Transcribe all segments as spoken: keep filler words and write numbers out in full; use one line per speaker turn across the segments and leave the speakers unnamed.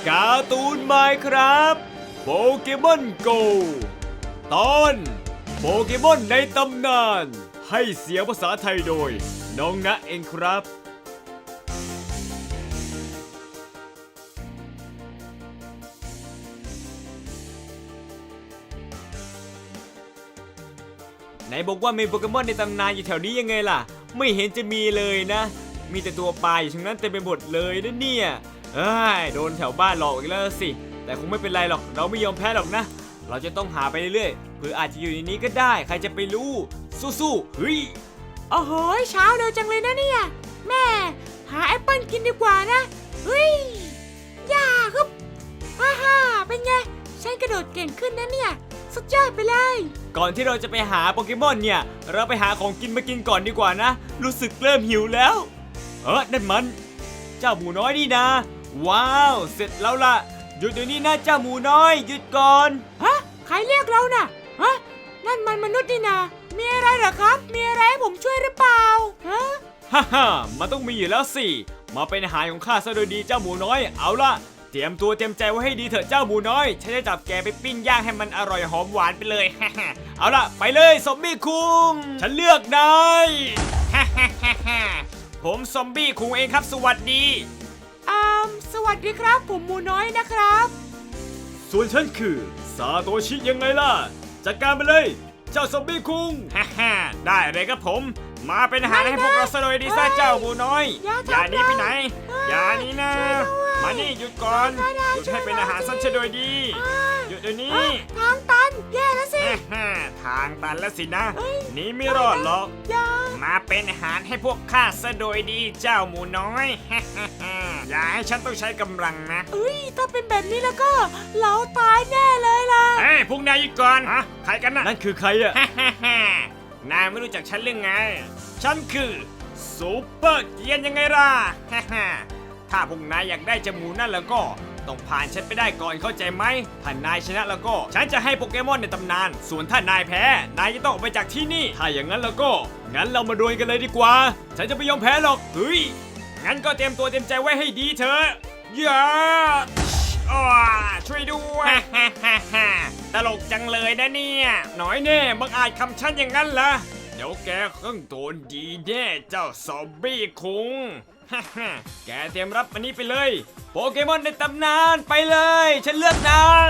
การ์ตูนไมน์ครับโปเกมอนโกตอนโปเกมอนในตำนานให้เสียงภาษาไทยโดยน้องณเองครับไหนบอกว่ามีโปเกมอนในตำนานอยู่แถวนี้ยังไงล่ะไม่เห็นจะมีเลยนะมีแต่ตัวปลาอยู่ทั้งนั้นเต็มไปหมดเลยนะเนี่ยเอ้ยโดนแถวบ้านหลอกอีกแล้วสิแต่คงไม่เป็นไรหรอกเราไม่ยอมแพ้หรอกนะเราจะต้องหาไปเรื่อยๆเพื่ออาจจะอยู่ในนี้ก็ได้ใครจะไปรู้สู้ๆเฮ้ย
โอ้โหเช้าเร็วจังเลยนะเนี่ยแม่หาแอปเปิ้ลกินดีกว่านะเฮ้ยย่าฮึบฮ่าฮ่าเป็นไงฉันกระโดดเก่งขึ้นนะเนี่ยสุดยอดไปเลย
ก่อนที่เราจะไปหาโปเกมอนเนี่ยเราไปหาของกินมากินก่อนดีกว่านะรู้สึกเริ่มหิวแล้วเออนั่นมันเจ้าหมูน้อยนี่นะว้าวเสร็จแล้วล่ะหยุดเดี๋ยวนี้นะเจ้าหมูน้อยหยุดก่อน
ฮะใครเรียกเราน่ะฮะนั่นมันมนุษย์นี่นะมีอะไรเหรอครับมีอะไรให้ผมช่วยหรือเปล่าฮะ
ฮ่าฮ่ามันต้องมีอยู่แล้วสิมาเป็นอาหารของข้าซะโดยดีเจ้าหมูน้อยเอาล่ะเตรียมตัวเตรียมใจไว้ให้ดีเถอะเจ้าหมูน้อยฉันจะจับแกไปปิ้งย่างให้มันอร่อยหอมหวานไปเลยฮ่าฮ่าเอาล่ะไปเลยซอมบี้คุงฉันเลือกนายฮ่าฮ่าฮ่าฮ่าผมซอมบี้คุงเองครับสวัสดี
อ่าสวัสดีครับผมหมูน้อยนะครับ
ส่วนฉันคือซาโตชิยังไงล่ะจัดการไปเลยเจ้าซอมบี้คุงฮ่าฮ่าได้เลยครับผมมาเป็นอาหารให้พวกเราซะเลยดีซะเจ้าหมูน้อยอย่าหนีไปไหนอย่าหนีนะมานี่หยุดก่อนหยุดให้เป็นอาหารซะโดยดีหยุดเดี๋ยวนี้
ทางตันแย่แล้วสิ
ทางตันแล้วสินะหนีไม่รอดหรอกมาเป็นอาหารให้พวกข้าซะโดยดีเจ้าหมูน้อยอย่าให้ฉันต้องใช้กำลังนะ
เอ้ยถ้าเป็นแบบนี้แล้วก็เราตายแน่เลยล่ะ
เฮ้ยพวกนายหยุดก่อนฮะใครกันน่ะนั่นคือใครอะนายไม่รู้จักฉันเรื่องไงฉันคือซูเปอร์เกียนยังไงล่ะถ้าพวกนายอยากได้จมูกนั่นแล้วก็ต้องผ่านฉันไปได้ก่อนเข้าใจไหมถ้านายชนะแล้วก็ฉันจะให้โปเกมอนในตำนานส่วนถ้านายแพ้นายจะต้องออกไปจากที่นี่ถ้าอย่างนั้นแล้วก็งั้นเรามาดวลกันเลยดีกว่าฉันจะไม่ยอมแพ้หรอกเฮ้ยงั้นก็เตรียมตัวเตรียมใจไว้ให้ดีเถอะอย่าอ้าช่วยด้วยตลกจังเลยนะเนี่ยหน่อยแน่บังอาจคำฉันอย่างนั้นเหรอเดี๋ยวแกคงโดนดีแน่เจ้าซอมบี้คุงแกเตรียมรับอันนี้ไปเลยโปเกมอนในตำนานไปเลยฉันเลือกนาย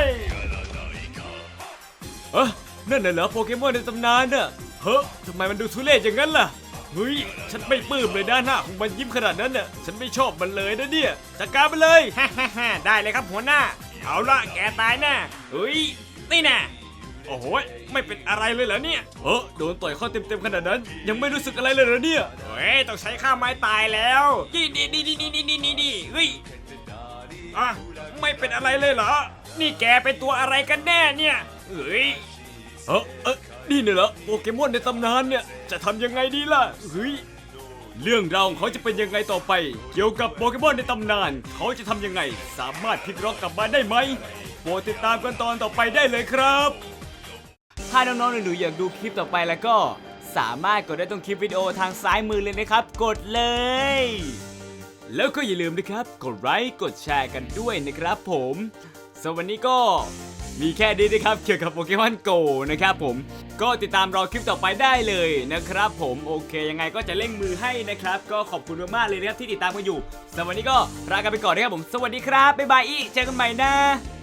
เออนั่นน่ะเหรอโปเกมอนในตำนานน่ะเฮ้ยทำไมมันดูทุเรศอย่างนั้นล่ะเฮ้ยฉันไม่ปลื้มเลยด้านหน้าของมันยิ้มขนาดนั้นน่ะฉันไม่ชอบมันเลยนะเนี่ยจัดการไปเลยได้เลยครับหัวหน้าเอาละแกตายแน่เฮ้ยนี่แน่โอ้โหไม่เป็นอะไรเลยเหรอเนี่ยเออโดนต่อยเข้าเต็มๆขนาดนั้นยังไม่รู้สึกอะไรเลยเหรอเนี่ยเฮ้ยต้องใช้ข้าไม้ตายแล้วดีดีดีดีดีดีดีดีเฮ้ยอ่ะไม่เป็นอะไรเลยเหรอนี่แกเป็นตัวอะไรกันแน่เนี่ยเฮ้ยเออเออนี่เนี่ยเหรอโปเกมอนในตำนานเนี่ยจะทำยังไงดีล่ะเฮ้ยเรื่องราวของเขาจะเป็นยังไงต่อไปเกี่ยวกับโปเกมอนในตำนานเขาจะทำยังไงสามารถพลิกล็อกกลับมาได้ไหมโปรดติดตามกันตอนต่อไปได้เลยครับถ้าน้องๆหนูๆอยากดูคลิปต่อไปแล้วก็สามารถกดได้ตรงคลิปวิดีโอทางซ้ายมือเลยนะครับกดเลยแล้วก็อย่าลืมนะครับกดไลค์กดแชร์กันด้วยนะครับผมสำหรับวันนี้ก็มีแค่นี้นะครับเกี่ยวกับโปเกมอนโกนะครับผมก็ติดตามรอคลิปต่อไปได้เลยนะครับผมโอเคยังไงก็จะเร่งมือให้นะครับก็ขอบคุณมากๆเลยนะครับที่ติดตามกันอยู่สำหรับวันนี้ก็ลากันไปก่อนนะครับผมสวัสดีครับบ๊ายบายอีกเจอกันใหม่นะ